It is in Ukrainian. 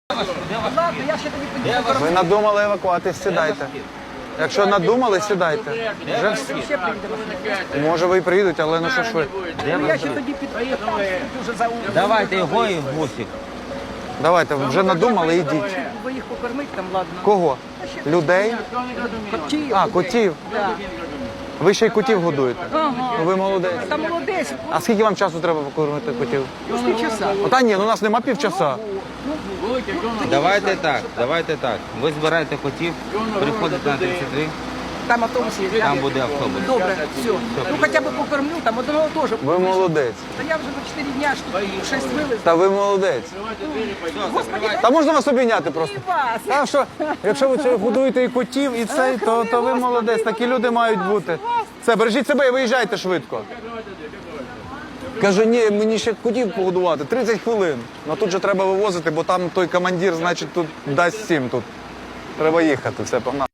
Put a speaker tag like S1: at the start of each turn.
S1: Ладно, я ще тобі підійду.
S2: Ви надумали евакуатись, сідайте. Якщо надумали, сідайте. Вже всі.
S1: Ще прийдемо.
S2: Може ви і приїдуть, але ну що ж ви.
S1: Ну, я ще тоді підійду. Дуже за
S3: Давайте його і гусик.
S2: Давайте, вже надумали, ідіть.
S1: Ви їх покормить там, ладно.
S2: Кого? Людей?
S1: Котів.
S2: А, котів.
S1: Да.
S2: Ви ще й котів годуєте.
S1: Ага.
S2: Ну, ви молодець.
S1: Там молодець.
S2: А скільки вам часу треба покормити котів?
S1: Півчаса.
S2: Та ні, ну у нас нема півчаса.
S3: Давайте так. Ви збираєте котів, приходите на 33,
S1: Там автобус є.
S3: там буде автобус.
S1: Добре, все. Ну хоча б покормлю, там одного теж.
S2: Ви молодець.
S1: Та я вже за 4 дня ж 6 вилез.
S2: Та ви молодець.
S1: Господи,
S2: Та можна вас обійняти просто.
S1: і вас.
S2: Та що, якщо ви це годуєте і котів, і цей, то ви молодець. Такі люди мають бути. Все, бережіть себе і виїжджайте швидко. Каже, ні, мені ще котів погодувати, 30 хвилин. Ну тут же треба вивозити, бо там той командир, значить, тут дасть 7 тут. Треба їхати, все, погнали.